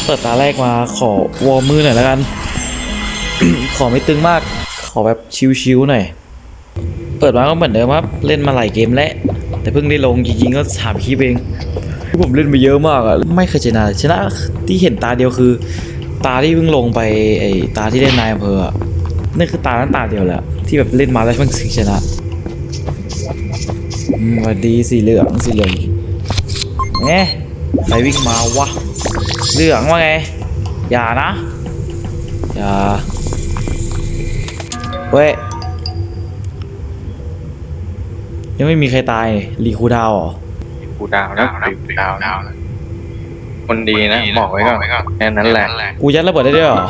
เปิดตาแรกมาขอวอร์มมือหน่อยแล้วกัน ขอไม่ตึงมากขอแบบชิวๆหน่อยเปิดมาก็เหมือนเดิมครับเล่นมาหลายเกมแล้วแต่เพิ่งได้ลงจริงๆก็3 คลิปเองที่ผมเล่นมาเยอะมากอะไม่เคยชนะที่เห็นตาเดียวคือตาที่เพิ่งลงไปไอ้ตาที่เล่นนายอำเภออะนั่นคือตานั้นตาเดียวแหละที่แบบเล่นมาแล้วเพิ่งชนะสวัสดีสีเหลืองเอ๊ะใครวิ่งมาวะเหลืองว่าไงอย่านะอย่าเว้ยยังไม่มีใครตายรีคูดาวเหรอกูดาวนะกูดาวนะคนดีนะบอกไว้ก่อนแค่นั้นแหละกูยัดระเบิดได้ด้วยเหรอ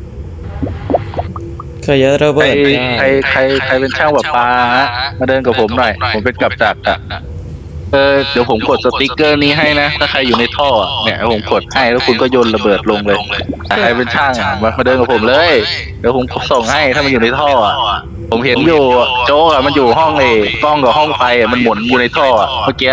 เคยยัดระเบิดได้ใครเป็นช่างประปามาเดินกับผมหน่อยผมเป็นกับจักรเดี๋ยวผมกดสติ๊กเกอร์นี้ให้นะถ้าใครอยู่ในท่อเนี่ยผมกดให้แล้วคุณก็โยนระเบิดลงเลยใครเป็นช่างมาเดินกับผมเลยเดี๋ยวผมส่งให้ถ้ามันอยู่ในท่อผมเห็นอยู่โจ๊กมันอยู่ห้องกล้องกับห้องไฟมันหมุนอยู่ในท่อเมื่อกี้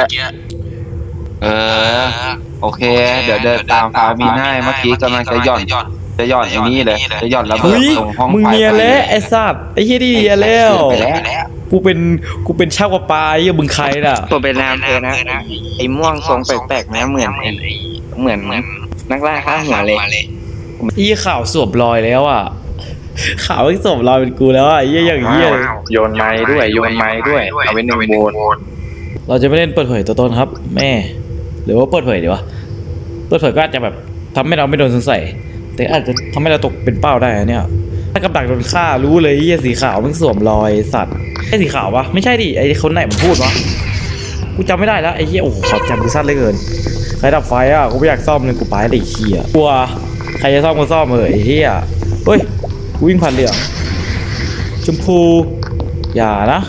โอเคเดี๋ยวเดินตามฟาวินให้เมื่อกี้กำลังจะหย่อนไอ้นี่เลยจะหย่อนระเบิดเฮ้ยตรงห้องมึงไฟเนียนแล้วไอ้สัตว์ไอ้เฮียดีเนียนแล้วไปแล้วกูเป็นช่างประปาไอ้เหี้ยมึงใครน่ะตัวเป็นนามเธอนะไอ้ม่วงทรงแปลกๆนะเหมือนนักล่าข้าหัวเลยไอ้เหี้ยข่าวสวมรอยแล้วอ่ะข่าวไม่สวมรอยเป็นกูแล้วอ่ะไอ้เหี้ยอย่างเหี้ยเลยโยนไม้ด้วยเอาไว้หนึ่งโวนเราจะไม่เล่นเปิดเผยตัวตนครับแม่หรือว่าเปิดเผยดีวะเปิดเผยก็อาจจะแบบทำให้เราไม่โดนสงสัยแต่อาจจะทำให้เราตกเป็นเป้าได้อะเนี่ยถ้ากับดักโดนฆ่ารู้เลยไอ้เหี้ยสีขาวมันสวมรอยสัตว์ไอ้สีขาวปะไม่ใช่ดิไอ้คนไหนมันพูดวะกูจำไม่ได้แล้วไอ้เหี้ยโอ้โหความจำกูสั้นเหลือเกินใครดับไฟอ่ะกูไม่อยากซ่อมเลยกูไปเลยไอ้เหี้ยกลัวใครจะซ่อมก็ซ่อมไอ้เหี้ยเฮ้ยกูวิ่งผ่านเหลืองชมพูอย่านะ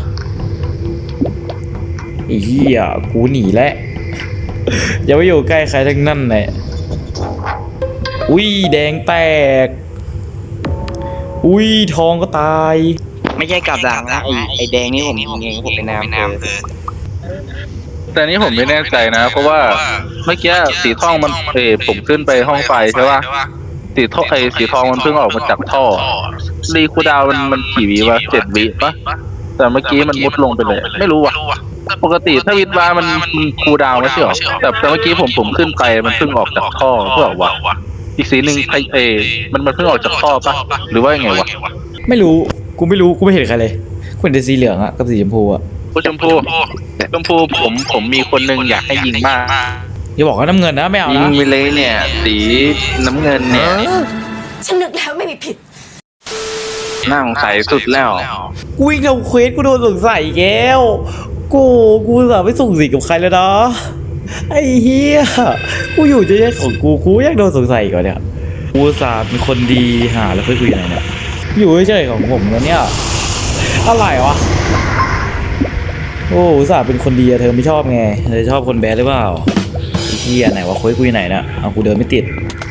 ไอ้เหี้ยกูหนีแล้วอย่าไปอยู่ใกล้ใครทั้งนั้นเลยอุ้ยแดงแตกอุ้ยทองก็ตายไม่ใช่กับดักนะไอ้แดงนี่ผมยิงเองผมเป็นนามเธอแต่นี้ผมไม่แน่ใจนะเพราะว่าเมื่อกี้สีทองมันผมขึ้นไปห้องไฟใช่ป่ะสีทองมันเพิ่งออกมาจากท่อรีคูดาวมันกี่วิวะ7 วิปะแต่เมื่อกี้มันมุดลงไปเลยไม่รู้ว่ะปกติถ้าวิทวามันคูดาวไม่ใช่หรอแต่เมื่อกี้ผมขึ้นไปมันเพิ่งออกจากท่อเพื่อวะอีกสีหนึ่งมันเพิ่งออกจากท่อปะหรือว่ายังไงวะไม่รู้กูไม่รู้กูไม่เห็นใครเลยกูเห็นแต่สีเหลืองอะกับสีชมพูอะชมพูผมมีคนหนึ่งอยากให้ยิงมากอย่าบอกว่าน้ำเงินนะไม่เอายินะงไปเลยเนี่ยสีน้ำเงินเนี่ยฉันนึกแล้วไม่มีผิดน่าสงสัยสุดแล้วกูวิ่งทำเควสกูโดนสงสัยอีกแล้วกูสาไม่ส่งสีกับใครแล้วนะไอ้เหี้ยกูอยู่จะแยกของกูอยากโดนสงสัยอีก่อนเนี่ยกูสาเป็นคนดีหาแล้วเพื่อนกูอยู่ไหนเนี่ยอยู่เฉยๆของผมแล้วเนี่ยอะไรวะโอ้อุตส่าห์เป็นคนดีอะเธอไม่ชอบไงเธอชอบคนแบดหรือเปล่าไอ้เหี้ยไหนวะเควสกูอยู่ไหนเนี่ยเอากูเดินไม่ติด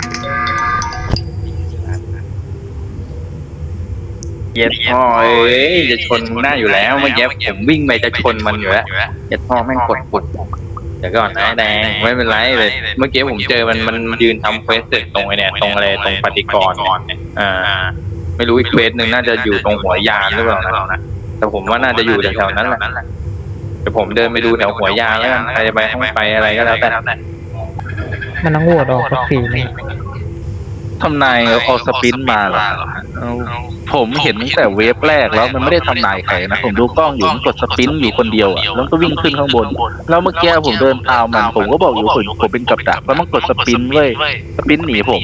เย็ดพ่อจะชนหน้าอยู่แล้วเมื่อกี้ผมวิ่งไปจะชนมันอยู่แล้วเย็ดพ่อแม่งกดปุดเดี๋ยวก่อนนะแดงไม่เป็นไรเลยเมื่อกี้ผมเจอมันยืนทำเควสเสร็จตรงไอ้เนี่ยตรงอะไรตรงปฏิกรณ์ไม่รู้อีกเควสหนึ่งน่าจะอยู่ตรงหัวยานหรือเปล่านะแต่ผมว่าน่าจะอยู่แถวๆนั้นแหละเดี๋ยวผมเดินไปดูแถวหัวยานแล้วกันใครจะไปห้องไปอะไรก็แล้วแต่มันต้องโหวตออกสักทีไหมทำนายเอาสปินมาเหรอผมเห็นตั้งแต่เวฟแรกแล้วมันไม่ได้ทำนายใครนะผมดูกล้องอยู่มันกดสปินอยู่คนเดียวแล้วก็วิ่งขึ้นข้างบนแล้วเมื่อกี้ผมเดินตามผมก็บอกอยู่ผมเป็นกับดักแล้วมันกดสปินเว้ยสปินหนีผม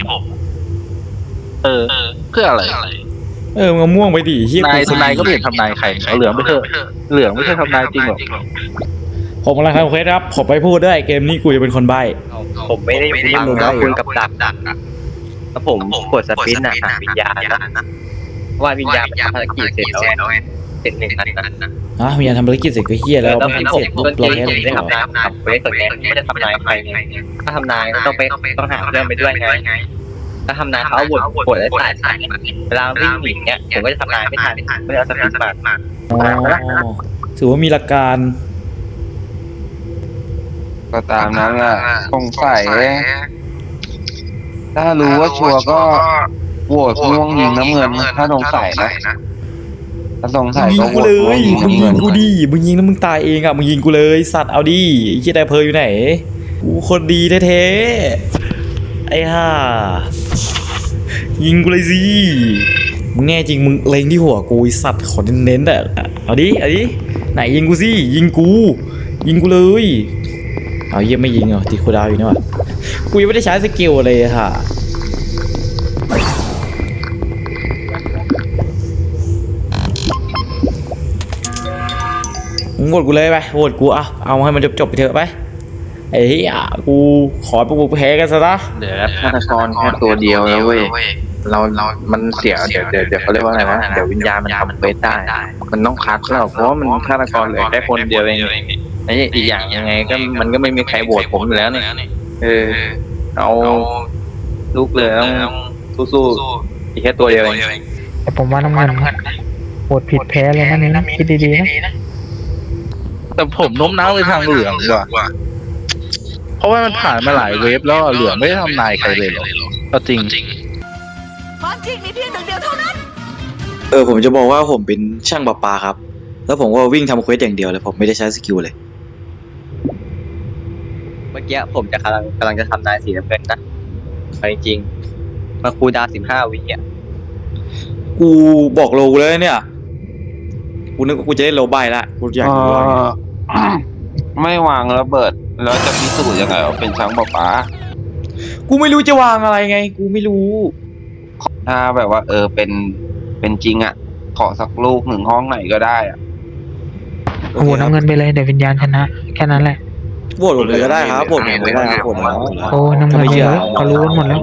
เพื่ออะไรมึงเอาม่วงไปดิเฮียนายก็ไม่เห็นทำนายใครเอาเหลืองไปเถอะเหลืองไม่ใช่ทำนายจริงหรอกผมกำลังทำเควสครับผมไปพูดด้วยเกมนี้กูจะเป็นคนใบ้ผมไม่ได้ฟังนะคุณกับดักถ้าผมกดสปินหาวิญญาณนะว่าวิญญาณภารกิจเสร็จแล้วเสร็จ1 นัดนะมีการทำภารกิจเสร็จก็เฮียแล้วแล้วไม่ผมเสร็จต้ปุ๊นบเราเกมแพ้ผมได้ทำนายกับเวสส่วนใหญ่ไม่ได้ทำนายใครถ้าทำนายต้องหาเพื่อนไปด้วยไงถ้าทำนายเขาบทได้สายเวลาวิ่งหนีเนี่ยผมก็จะทำนายไม่ทันไม่ได้เอาสปินมาอ๋อถือว่ามีหลักการก็ตามนั้นแหละสงสัยถ้ารู้ว่าชัวร์ก็โหวตม่วงยิงน้ำเงินถ้าสงสัยนะถ้าสงสัยยิงก็โหวกูตเลม่วงยยิงมึงน้ำยิเงิงนกูดิมึงยิงแล้วมึงตายเองอ่ะมึงยิงกูเลยสัตว์เอาดิไอ้เหี้ยไดเพออยู่ไหนกูคนดีแท้ๆไอ้ห่ายิงกูเลยสิมึงแน่จริงมึงเล็งที่หัวกูไอ้สัตว์ขอเน้นๆอ่ะเอาดิไหนยิงกูสิยิงกูเลยเอาเยี่ยไม่ยิงเหรอตีคูลดาวน์อยู่นี่วะกูยังไม่ได้ใช้สกิลเลยอะค่ะมึงโหวตกูเลยไปโหวตกูเอาให้มันจบไปเถอะไปไอ้เหี้ยกูขอพวกกูแพ้กันซะนะเหลือฆาตกรแค่ตัวเดียวแล้วเว้ยเรามันเสียเดี๋ยวเขาเรียกว่าอะไรนะเดี๋ยววิญญาณมันทำเควสได้มันต้องคัดแล้วเพราะว่ามันฆาตกรเหลือแค่คนเดียวเองไอ้อีกอย่างยังไงก็มันก็ไม่มีใครโหวตผมอยู่แล้วนี่เอาลูกเลยต้องสู้ๆอีกแค่ตัวเดียวเองแต่ผมว่าน้ำเงินโหวตผิดแพ้เลยนะนี่นะคิดดีๆนะแต่ผมโน้มน้าวไปทางเหลืองว่ะเพราะว่ามันผ่านมาหลายเวฟแล้วเหลืองไม่ได้ทำนายใครเลยหรอกก็จริงความจริงมีเพียงหนึ่งเดียวเท่านั้นผมจะบอกว่าผมเป็นช่างประปาครับแล้วผมก็วิ่งทำเควสอย่างเดียวเลยผมไม่ได้ใช้สกิลเลยเมื่อกี้ผมจะกำลังจะทำนายสีน้ำเงินนะไปจริงมาคูลดาวน์15 วิอ่ะกูบอกโลเลยเนี่ยกูนึกว่ากูจะได้โลใบละกูอยากรู้ว่าไงไม่วางระเบิดแล้วจะพิสูจน์ยังไงว่าเป็นช้างป่าป๋ากูไม่รู้จะวางอะไรไงกูไม่รู้ถ้าแบบว่าเป็นจริงอ่ะขอสักลูกหนึ่งห้องไหนก็ได้อ่ะโหวตน้ำเงินไปเลยเดี๋ยววิญญาณชนะแค่นั้นแหละโหวตผมเลยก็ได้ครับโหวตผมเลยก็ได้ครับโหวตแล้วโอ้น้ำเงินเลยเขารู้กันหมดแล้ว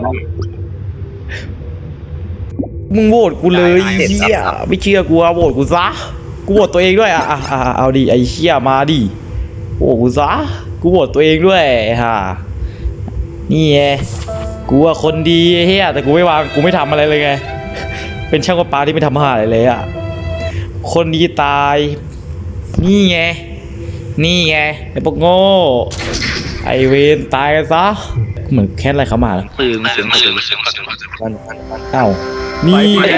มึงโหวตกูเลยไอ้เหี้ยไม่เชื่อกูโหวตกูซะกูโหวตตัวเองด้วยเอาดิไอ้เหี้ยมาดิโหวตกูซะกูโหวตตัวเองด้วยฮะนี่ไงกูว่าคนดีไอ้เหี้ยแต่กูไม่วางกูไม่ทำอะไรเลยไงเป็นช่างประปาที่ไม่ทำหาอะไรเลยอ่ะคนดีตายนี่ไงไอ้พวกโง่ไอเวนตายกันซะเหมือนแค่อะไรเขามาแล้วตื่นเสียงเอ้านี่ไง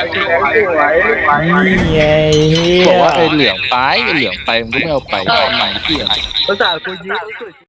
นี่ไงบอกว่าไอ้เหลืองไปมันก็ไม่เอาไปทำไมเที่ยภาษาคุณยืด